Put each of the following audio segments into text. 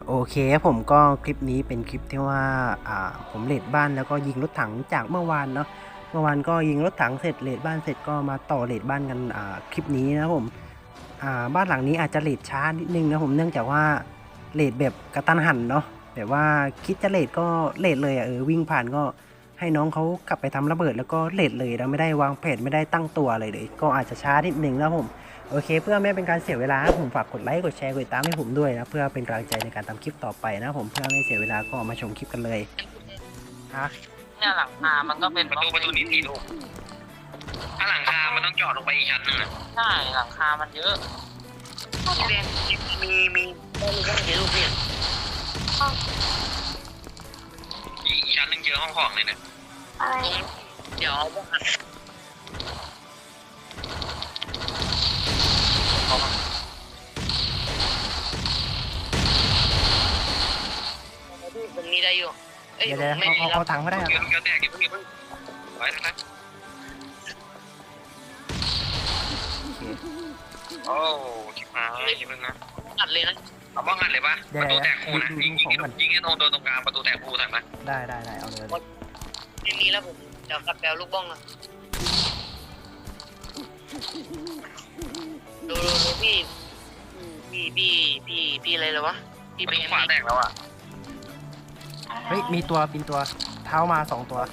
โอเคครับผมก็คลิปนี้เป็นคลิปที่ว่าผมเรดบ้านแล้วก็ยิงรถถังจากเมื่อวานเนาะเมื่อวานก็ยิงรถถังเสร็จเรดบ้านเสร็จก็มาต่อเรดบ้านกันคลิปนี้นะผมบ้านหลังนี้อาจจะเรดช้านิดนึงนะผมเนื่องจากว่าเรดแบบกระตันหันเนาะแบบว่าคิดจะเรดก็เรดเลยวิ่งผ่านก็ให้น้องเขากลับไปทำระเบิดแล้วก็เรดเลยแล้วไม่ได้วางแผนไม่ได้ตั้งตัวอะไรเลยก็อาจจะช้านิดนึงนะผม โอเคเพื่อไม่เป็นการเสียเวลาผมฝากกดไลค์กดแชร์กดติดตามให้ผมด้วยนะเพื่อเป็นกำลังใจในการทำคลิปต่อไปนะผมเพื่อไม่เสียเวลาก็มาชมคลิปกันเลยฮะเนี่ยหลังคามันก็เป็นประตูนี้4 ลูกถ้าหลังคามันต้องเจาะลงไปอีกชั้นหนึ่งอ่ะใช่หลังคามันเยอะพี่แดงมีเยอะลูกเนี่ยอีกชั้นหนึ่งเจอห้องของเลยเนี่ยเดี๋ยวผมมีได้อยู่เดี๋ยวเอาถังก็ได้ครับเดี๋ยวแตกเพิ่งไว้นะครับโอ้ชิบหายอย่าเพิ่งนะอัดเลยนะเอาบ้องอัดเลยปะประตูแตกคู่นะยิงให้ตรงกลางประตูแตกคู่ถ่ายมาได้เอาเลยทีนี้แล้วผมเดี๋ยวกลับแปลลูกบ้องนะดูพี่อะไรเลยวะพี่เป็นขวาแตกแล้วอ่ะเฮ้ยมีตัวเท้ามา2 ตัว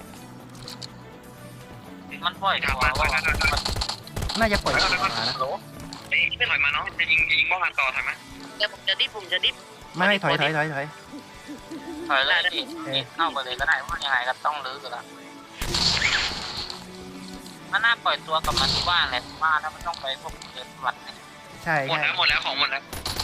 มันปล่อยตัวว่าน่าจะปล่อยตัวมานะไม่ถอยมาเนาะจะยิงบ้องอัดต่อถอยมาเดี๋ยวผมจะดิฟไม่ถอยถอยเลยดิเข้าไปเลยก็ได้ว่ายังไงก็ต้องลื้อกันละมันน่าปล่อยตัวกับมันที่บ้านแหละว่าถ้ามันต้องไปพวกเดินวัดใช่หมดแล้วของหมดแล้ว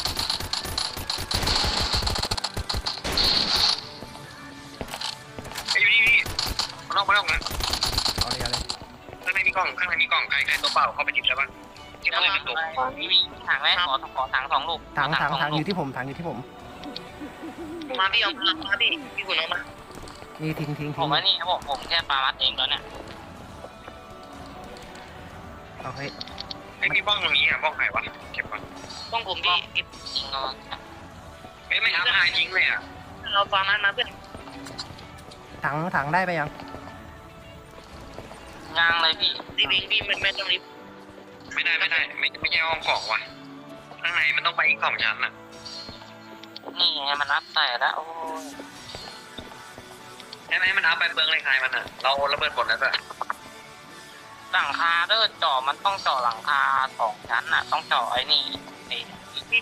ไอ้นี่มาลองนะเอาเลยข้างในมีกล่องใครตัวเปล่าเข้าไปหยิบแล้วป่ะที่มันเลยเป็นตัวมีถังไหมขอถัง2 ลูกถังอยู่ที่ผมมาพี่เอามาพี่คุณเอามานี่ทิ้งผมว่านี่ผมแค่ปามัดเองแล้วเนี่ยเอาให้ไอ้พี่บ้องตรงนี้อ่ะบ้องใครวะเก็บก่อนบ้องผมพี่จริงไม่อัพหายทิ้งเลยอ่ะเราปามัดมาเพื่อนถังได้ไปยังเลยพี่ไม่ต้องรีบไม่ได้ไม่ใช่ห้องของว่ะข้างในมันต้องไปอีก2 ชั้นอ่ะนี่ไงมันอัพแต่แล้วโอ้ใช่ไหมมันอัพไปเปลืองเลยใครมันอ่ะเราระเบิดหมดแล้วอ่ะหลังคาเจาะมันต้องเจาะหลังคา2 ชั้นอ่ะต้องเจาะไอ้นี่พี่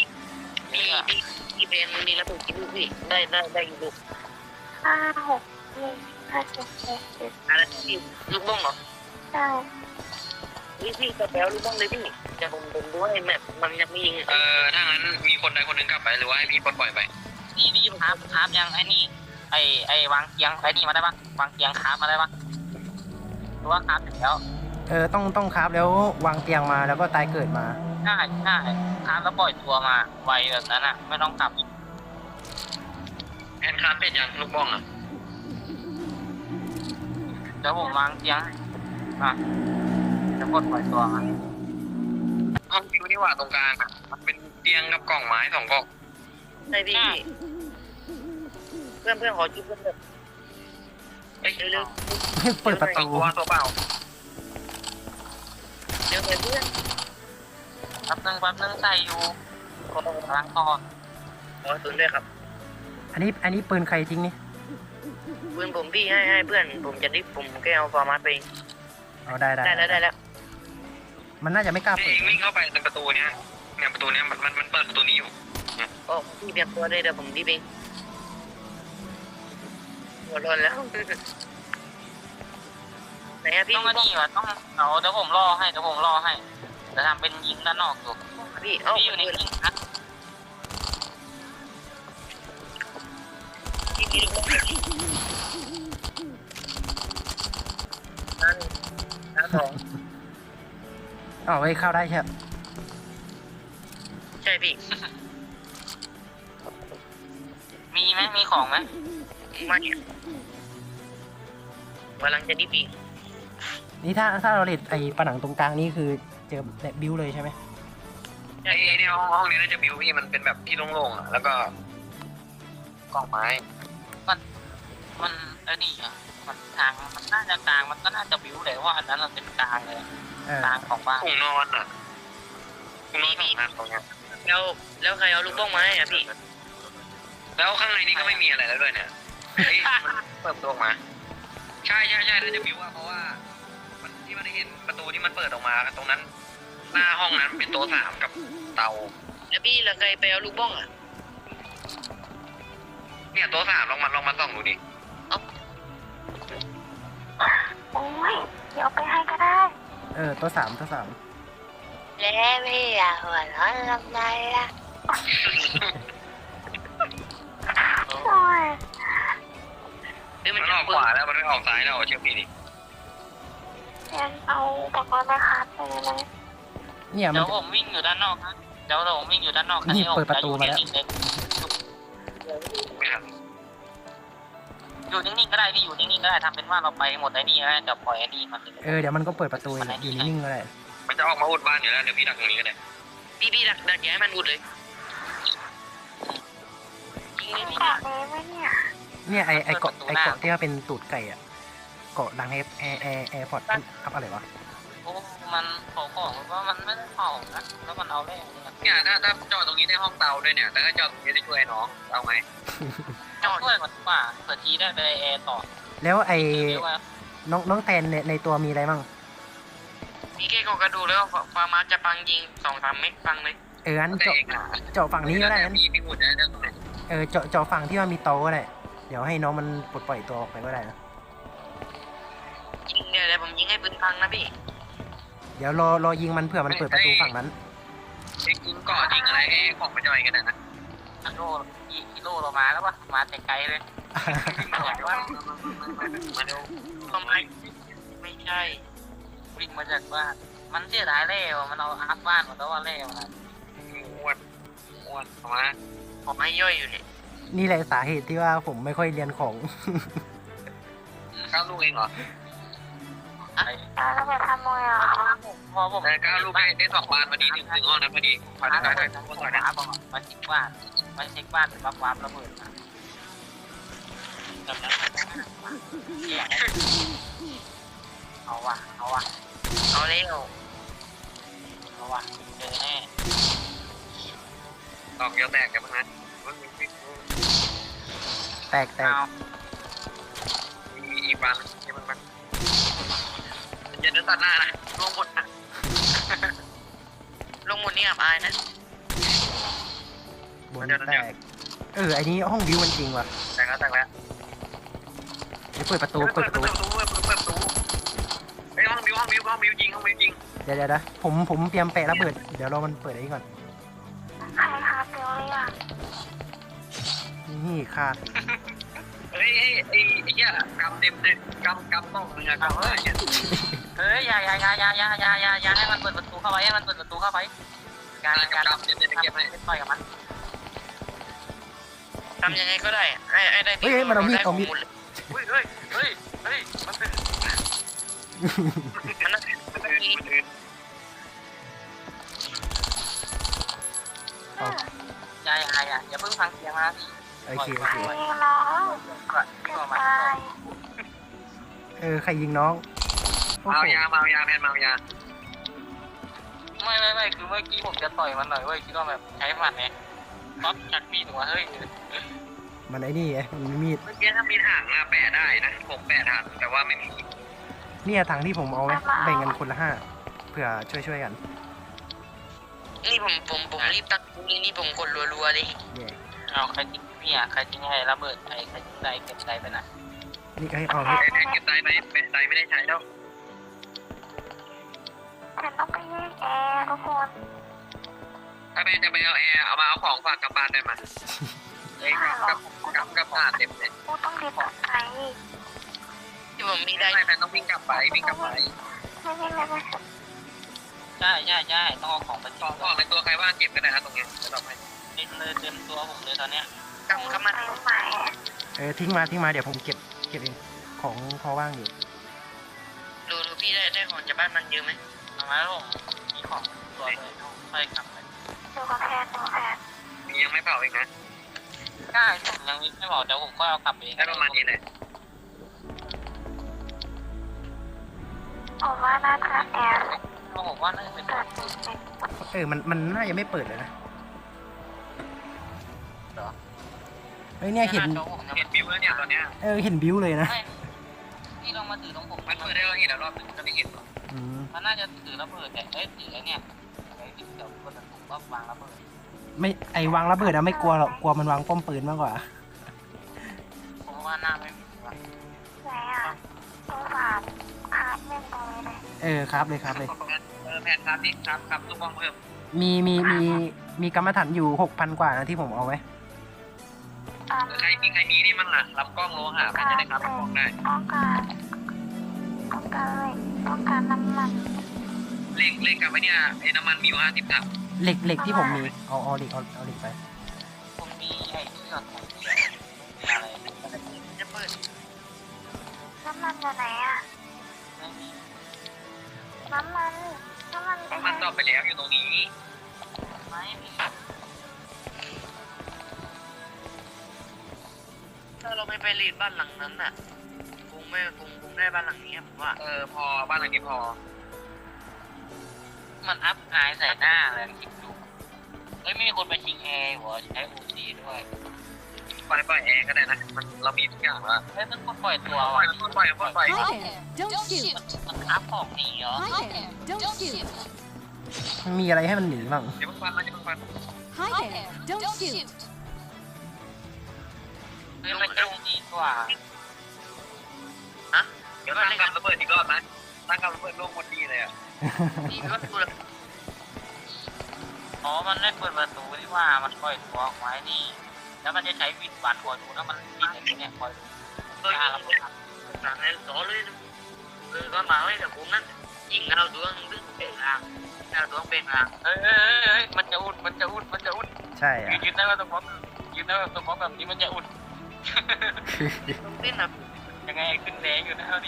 เบนมีระเบิดกี่ลูกพี่ได้กี่ลูก 5 6 7 8 9 10 อะไรพี่ลูกบ้องเหรอใช่พี่กระแปลลูกบ้องเลยพี่จะผมดูให้แมปมันยังไม่ยิงถ้างั้นมีคนใดคนหนึ่งกลับไปหรือว่าให้พี่ปล่อยไปพี่ครับยังไอ้นี่ไอ้วางเกียงไอ้นี่มาได้ปะวางเกียงคราฟมาได้ปะหรือว่าคราฟถึงแล้วต้องคราฟแล้ววางเตียงมาแล้วก็ตายเกิดมาใช่คราฟแล้วปล่อยตัวมาไวแบบนั้นอ่ะไม่ต้องกลับแอนคราฟเป็นอย่างลูกบ้องอ่ะเดี๋ยวผมวางเตียงจะกดปล่อยตัวมาห้องคิวที่ว่าตรงกลางอ่ะมันเป็นเตียงกับกล่องไม้2 กล่องใช่พี่เพื่อนขอจุ๊บเพื่อนเร็วเปิดประตูตัวเปล่าเดี๋ยวเพื่อนแป๊บนึงใส่อยู่ล้างคอตุนด้วยครับอันนี้ปืนใครจริงนี่ปืนผมพี่ให้เพื่อนผมจะดิฟผมแค่เอาฟอร์มาไปเอาได้แล้วมันน่าจะไม่กล้าเปิดวิ่งเข้าไปในประตูเนี้ยประตูเนี้ยมันเปิดประตูนี้อยู่โอ้พี่เบียดตัวได้เดี๋ยวผมดิฟเองหัวร้อนแล้วไหนอะพี่ต้องมาดีวะต้องเดี๋ยวผมรอให้จะทำเป็นยิงด้านนอกอยู่พี่อยู่ในยิงนะพี่นั่นของไว้เข้าได้ใช่พี่มีไหมมีของไหมไม่กำลังจะดิฟอีกนี่ถ้าเราเล่นไอ้ผนังตรงกลางนี่คือเจอแบบบิวเลยใช่ไหมไอ้เนี่ยห้องนี้น่าจะบิวพี่มันเป็นแบบที่โล่งๆอ่ะแล้วก็กองไม้มันไอ้นี่อ่ะมันทางมันน่าจะกลางมันก็น่าจะบิวเลยว่าอันนั้นมันเป็นกลางเลยเออกลางของบ้านถุงนอนอ่ะถุงนอน2 อันตรงเนี้ยแล้วใครเอาลูกบ้องไม้อะพี่แล้วข้างในนี้ก็ไม่มีอะไรแล้วด้วยเนี่ยเฮ้ยมันเปิดประตูออกมาใช่น่าจะบิวอ่ะเพราะว่ามันที่มันได้เห็นประตูที่มันเปิดออกมาตรงนั้น หน้าห้องนั้นเป็นโต๊ะ3กับเตาแล้วพี่แล้วใครไปเอาลูกบ้องอะเนี่ยโต๊ะ3ลองมาส่องดูดิโอ้ยเดี๋ยวไปให้ก็ได้ตัวสามแล้วพี่อะหัวร้อนลำไรอะโอ้ยมันออกขวาแล้วมันไม่ออกซ้ายแล้วเชื่อพี่ดิงั้นเอาอุปกรณ์มาคัดไปเลยเนี่ยมันเดี๋ยวผมวิ่งอยู่ด้านนอกนะเดี๋ยวผมวิ่งอยู่ด้านนอกนี่เปิดประตูมาแล้วไม่ทันอยู่นิ่งๆก็ได้พี่อยู่นิ่งๆก็ได้ทำเป็นว่าเราไปหมดไอ้นี่แล้วเดี๋ยวปล่อยไอ้นี่มันเลยเดี๋ยวมันก็เปิดประตูอยู่นิ่งๆก็ได้มันจะออกมาอุดบ้านอยู่แล้วเดี๋ยวพี่ดักตรงนี้ก็ได้พี่ดักอย่าให้มันอุดเลยยิงมีนี่เกาะนี้ไหมเนี่ยเนี่ยไอเกาะที่ว่าเป็นตูดไก่อะเกาะดังแอร์พอร์ตอัพอะไรวะโอ้มันเผาของว่ามันไม่ได้เผานะแล้วมันเอาแร่เนี่ยเนี่ยถ้าจอดตรงนี้ได้ห้องเตาด้วยเนี่ยแต่ถ้าจอดตรงนี้ได้ช่วยน้องเอาไหมจอดด้วยก่อนดีกว่าเผื่อทีได้ไปแอร์ต่อแล้วไอเรียกว่าน้องแตนในตัวมีอะไรบ้างพี่แค่กระดูแล้วฟาร์มาจะปังยิง2-3 เม็ดปังเลยงั้นแต่เองอ่ะเจาะฝั่งนี้ก็ได้งั้นพี่หุ่นได้ตรงไหนเจาะฝั่งที่ว่ามีโต๊ะก็ได้เดี๋ยวให้น้องมันปลดปล่อยตัวออกไปก็ได้นะยิงเนี่ยเดี๋ยวผมยิงให้ปืนพังนะพี่เดี๋ยวรอยิงมันเผื่อมันเปิดประตูฝั่งนั้นเองยิงก่อยิงอะไรให้ของมันย่อยกันนะกิโลเรามาแล้วปะมาแต่ไกลเลยวิ่งมาจากบ้านมาดูก็ไม่ใช่วิ่งมาจากบ้านมันเสียดายแร่มันเอาอัพบ้านหมดแล้วว่าแร่มันอ้วนเอามาผมให้ย่อยอยู่เนี่ยนี่แหละสาเหตุที่ว่าผมไม่ค่อยเรียนของก้าวลูกเองเหรอแล้วเราไปทำมวยเหรอพอผมแต่ก้าวลูกได้2 บานพอดีถึงห้องนั้นพอดีพอมาได้เช็คได้บ้านมาเช็คบ้านเป็นวับระเบิดมาเอาวะเอาเร็วเอาวะเจอแน่ดอกเดียวแตกกันมั้งนะแตกเอามีอีกบานที่มันอย่าเดินตัดหน้านะลงหมดนะลงหมดนี่อับอายนะบนแตกไอ้นี้ห้องวิวมันจริงว่ะแตกแล้วเดี๋ยวเปิดประตูเปิดประตูไอ้ห้องบิวยิงเดี๋ยวผมเตรียมแปะระเบิดเดี๋ยวรอมันเปิดไอ้นี่ก่อนใครครับเดี๋ยวเลยอ่ะนี่ขาดเฮ้ยไอ้เหี้ยกำเต็มเลยกำต้องมึงอะกำเนี่ยเฮ้ยอย่าให้มันเปิดประตูเข้าไปให้มันเปิดประตูเข้าไปการกำเต็มเลยเก็บให้ต่อยกับมันทำยังไงก็ได้ไอ้ได้เฮ้ยมันเอามีดเฮ้ยมันเป็นมันยิงอย่าเพิ่งฟังเสียงนะโอเคใครร้องเกิดอะไรใครยิงน้องโอ้เมาโหยาแพนเมายาไม่คือเมื่อกี้ผมจะต่อยมันหน่อยเว้ยคิดว่าแบบใช้หมัดไงต๊อปจักมีดหัวเฮ้ยมันไอ้นี่ไงมันมีมีดเมื่อกี้ถ้ามีถังอะแปะได้นะผมแปะทันแต่ว่าไม่มีเนี่ยถังที่ผมเอาไว้แบ่งกันคนละ5เผื่อช่วยกันนี่ผมรีบตักนี่ผมกดรัวๆเลยเย่เอาใครทิ้งพี่อ่ะใครทิ้งให้ระเบิดใครทิ้งใจเก็บใจไปไหนนี่ก็ให้เอาไอ้แพนเก็บไตไปไตไม่ได้ใช้แล้วฉันต้องไปแยกแอร์ทุกคนถ้าแพนจะไปเอาแอร์เอามาเอาของฝากกลับบ้านได้มาไอ้กับผ่านเต็มเลยกูต้องรีบกลับไปที่ผมมีได้ไม่แพนต้องวิ่งกลับไปไม่ใช่ต้องเอาของไปขทิ้อง งในตัวใครบ้างเก็บกันนะตรงนี้จะตอบให้เต็มตัวผมเลยตอนเนี้ยกำเข้ามาไปไหมทิ้งมาเดี๋ยวผมเก็บเองของพอว่างอยู่ดูพี่ได้ของจากบ้านมันเยอะไหมทำไมผมมีของตัวเลยค่อยกลับไปดูกับแพทย์ดูกับแพทย์มียังไม่เผาอีกนะใช่ผมยังไม่บอกเดี๋ยวผมก็เอากลับเองได้ประมาณนี้เลยผมว่าน่าจะแอบผมว่าน่าจะเป็นเกิดติดเด็กมันน่าจะไม่เปิดเลยนะเหรอเฮ้ยเนี่ยเห็นโจ๊กผมยังเห็นบิวแล้วเนี่ยตอนเนี้ยเห็นบิวเลยนะไม่พี่ลองมาถือตรงผมมันเปิดได้เราเห็นแล้วรอบนึงจะไม่เห็นหรออืมมันน่าจะถือระเบิดแต่ถือไอ้เนี่ยไอ้ที่เดี๋ยวคนผมก็วางระเบิดไม่ไอวางระเบิดอะไม่กลัวหรอกกลัวมันวางป้อมปืนมากกว่าผมว่าน่าไม่มีว่ะไหนอ่ะตัวฝาดคาดเล่นตรงนี้เลยครับเลยแผนครับนี่ครับลูกบอลเพิ่มมีกรรมฐานอยู่ 6,000 กว่านะที่ผมเอาไว้ใครมีนี่มั่งอ่ะรับกล้องโลหะมันจะได้ครับกล้องได้ต้องการเลยต้องการน้ำมันเล่งกับไอ้เนี่ยไอ้น้ำมันมีอยู่50 ถังเหล็กที่ผมมีเอาเหล็กไปผมมีไอ้ที่เราของเสียมีอะไรจะเปิดน้ำมันอยู่ไหนอ่ะไม่มีน้ำมันไปมันไหนตอบไปแล้วอยู่ตรงนี้ไม่มีถ้าเราไม่ไปรีดบ้านหลังนั้นน่ะคงได้บ้านหลังนี้ผมว่าพอบ้านหลังนี้พอมันอัพอายใส่หน้าเลยคิดดูไม่มีคนไปชิงแอร์หัวใช้โอซีด้วยปล่อยแอร์ก็ได้นะมันเรามีทุกอย่างแล้วมันคนปล่อยตัวปล่ว่ะอย Hi there, don't shoot. มันอัพของหนีเหรอ Hi there, don't shoot. มันมีอะไรให้มันหนีบ้างเดี๋ยวมันฟัน Hi there, don't shoot. มันจะดีกว่าเดี๋ยวตั้งกำระเบิดอีกรอบนะตั้งกำระเบิดลูกหมดดีเลยอ่ะนี่ก็คืออ๋อมันได้เปิดประตูที่ว่ามันปล่อยตัวออกไว้นี่แล้วมันจะใช้วิดวันคอยดูแล้วมันบินอย่างนี้เนี่ยคอยดูตัวยิงหลังนั้นต่อเลยก็มาไว้แต่ผมนั้นยิงเอาตัวนึงเป็นทางเอาตัวเป็นทางมันจะอุดใช่อะยืนได้ว่าตัวบอสยืนได้ว่าตัวบอสแบบนี้มันจะอุดต้องเต้นนะยังไงขึ้นแรงอยู่นะเอาดิ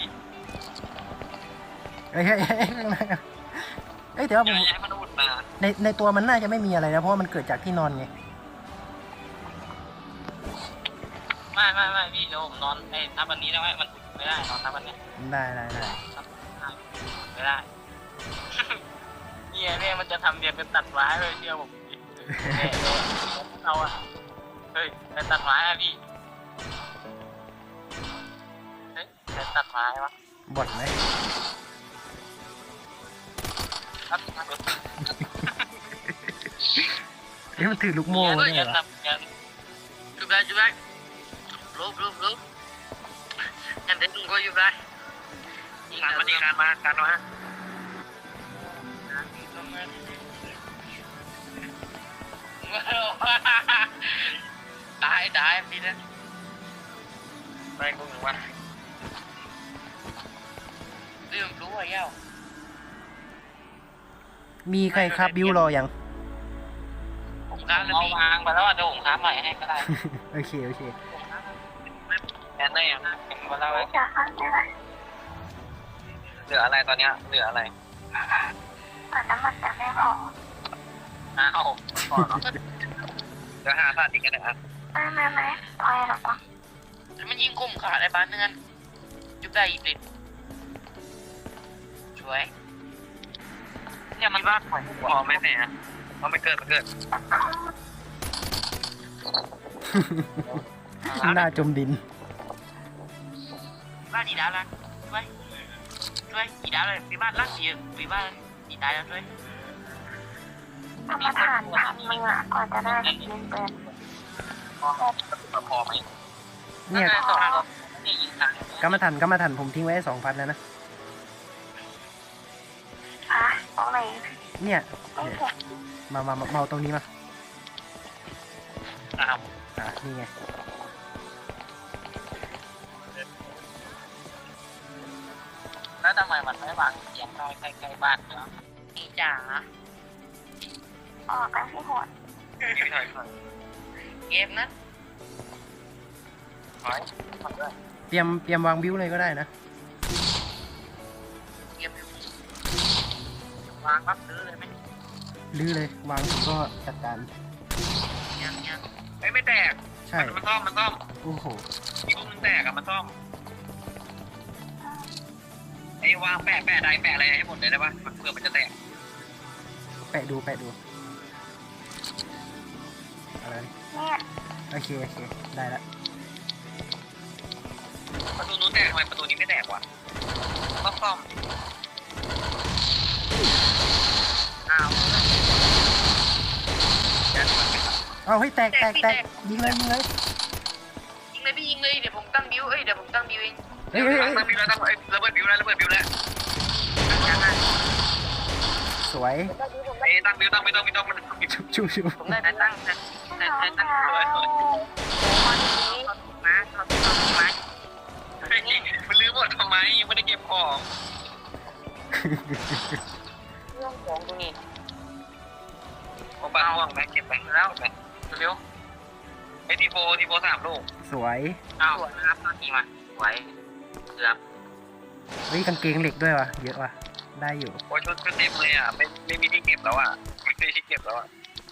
เอ้ยแต่ว่าผมยังไงมันอุดมาในตัวมันน่าจะไม่มีอะไรนะเพราะว่ามันเกิดจากที่นอนไงไม่พี่เดี๋ยวผมนอนไอ้ทับอันนี้ได้ไหมมันอุดไม่ได้นอนทับอันนี้ได้ไม่ได้เนี่ยมันจะทำเรียนเป็นตัดไม้เลยเชื่อผมเอาอะเฮ้ยเป็นตัดไม้อะพี่เฮ้ยเป็นตัดไม้วะบดไหมครับเฮ้ยมันถือลูกโม่ด้วยเหรอจุดได้ลบงั้นเดี๋ยวลุงก็อยู่ได้การมาดีการมาตายพี่นะไปกูหนึ่งวันเรื่องรู้ว่าเย้ามีใครครับบิวรอยังผมค้าแล้วเอาพี่วางไปแล้วเดี๋ยวผมค้าใหม่ให้ก็ได้โอเคแอนได้ยังเห็นมาแล้วจะฟังได้ไหมเหลืออะไรตอนเนี้ยเหลืออะไรแต่น้ำมันจะไม่พอเอาเหลือ5 ถาดอีกกันนะไม่พอหรอกมั้งมันยิงกลุ่มขาดไอ้บ้านนึงกันจุดได้อีกนิดช่วยเนี่ยมันว่าปล่อยพอไหมแม่เอาไม่เกิดหน้าจมดินบ้านดีดาวละช่วยดีดาวเลยพี่บ้านรักดีพี่บ้านดีดาวแล้วช่วยกรรมฐาน1,000 มึงอ่ะก่อนจะได้ยิงปืนพอไหมเนี่ยนี่ยิงทางกรรมฐานผมทิ้งไว้ 2,000แล้วนะตรงไหนเนี่ยไม่เห็นมาเอาตรงนี้มาอ้าวนี่ไงแล้วทำไมมันไม่วางเสียงน้อยใกล้ๆบ้านเนาะนี่จ๋าออกกันที่หัวพี่ถอยเกมนั้นเตรียมวางบิวเลยก็ได้นะเกมวางปั๊บซื้อเลยไหมลื้อเลยวางก็จัดการยังเฮ้ยไม่แตกใช่มันซ่อมโอ้โหอีกลูกนึงแตกอะมันซ่อมไอ้วางแปะใดแปะอะไรให้หมดเลยได้ปะมันเพื่อมันจะแตกแปะดูอะไรเนี่ยโอเคได้ละประตูนู้นแตกทำไมประตูนี้ไม่แตกวะต้องซ่อมอ้าวเอาให้แตกยิงเลยยิงเลยพี่ยิงเลยเดี๋ยวผมตั้งบิวเดี๋ยวผมตั้งบิวเองเฮ้ยตั้งบิวแล้วระเบิดบิวแล้วสวยไอ้ตั้งบิวมันชูผมได้ตั้งเลยมันลื้อหมดทำไมยังไม่ได้เก็บของเรื่องของตรงนี้ผมบ้าห่วงไปเก็บไปแล้วไปเร็วไอ้ทีโฟ3 ลูกสวยเอานะครับตอนนี้มาไหวเกือบเฮ้ยกางเกงเหล็กด้วยวะเยอะว่ะได้อยู่โอ้ชุดเต็มเลยอ่ะไม่มีที่เก็บแล้วอ่ะไม่มีที่เก็บแล้วอ่ะ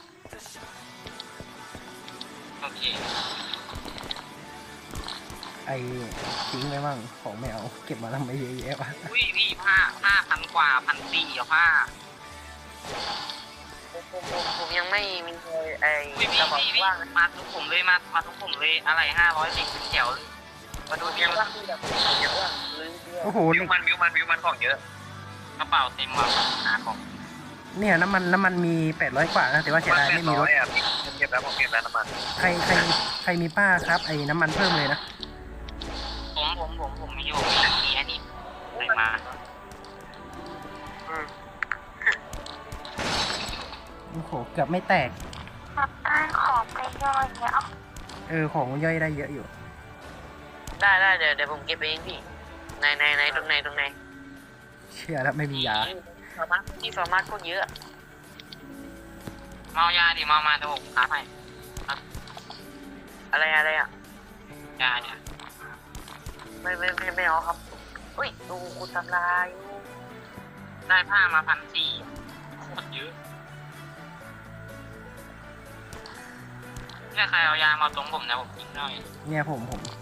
โอเคไอ้ทิ้งไว้มั่งของไม่เอาเก็บมาทำไมเยอะแยะวะอุ้ยพี่ผ้า1,000 กว่า1,400เอาผ้าผมยังไม่มีไอ้กระบอกว่างมาทุกผมเลยมาทุกผมเลยอะไร500 10เป็นแถวเลยมาดูเดียวว่าแบบเยอะว่าลืมเยอะโอ้โหวิวมันของเยอะกระเป๋าเต็มว่ะหาของเนี่ยน้ำมันมี800กว่านะแต่ว่าเสียดายไม่มีรถอ่ะเก็บแล้วผมเก็บแล้วน้ำมันใครมีป้าครับไอ้น้ำมันเพิ่มเลยนะผมมีอยู่มีนักเรียนนี่ใส่มาโอ้โหเกือบไม่แตกมาบ้านของไปย่อยเนี่ยของย่อยได้เยอะอยู่ได้เดี๋ยวผมเก็บเองพี่ในตรงไหนเชื่อแล้วไม่มียาสามารถก็เยอะเมายาดิเมามาจะผมค้าให้อะไรอ่ะยาเนี่ยไม่เอาครับอุ้ยดูคุณทำลายได้ผ้ามา1,400โคตรเยอะเนี่ยใครเอายามาตรงผมนะผมยิงหน่อยเนี่ยผม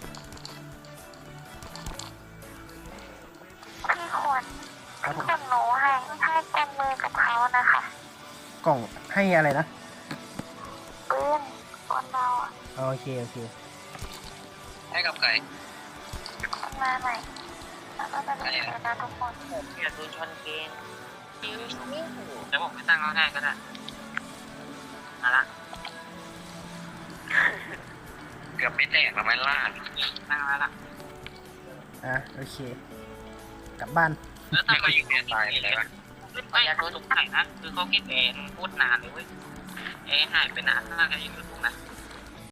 พี่ควรครับผมส่งหนูให้เต็มมือกับเขานะคะกล่องให้อะไรนะปืนคนเราอ่ะโอเคให้กับใครคนมาใหม่แล้วก็จะมีเวลาทุกคนอยากดูชนเกงเดี๋ยวผมไปตั้งเขาให้ก็ได้มาละเกือบไม่แตกแล้วไม่ล่าตั้งแล้วล่ะโอเค กลับบ้านแล้วตั้งก็ยิงเนี่ยตายไปเลยปะไม่สงสัยนะคือเขาเก็บเองพูดนานเลยเว้ยหายไปนานถ้าจะยิงถูกนะ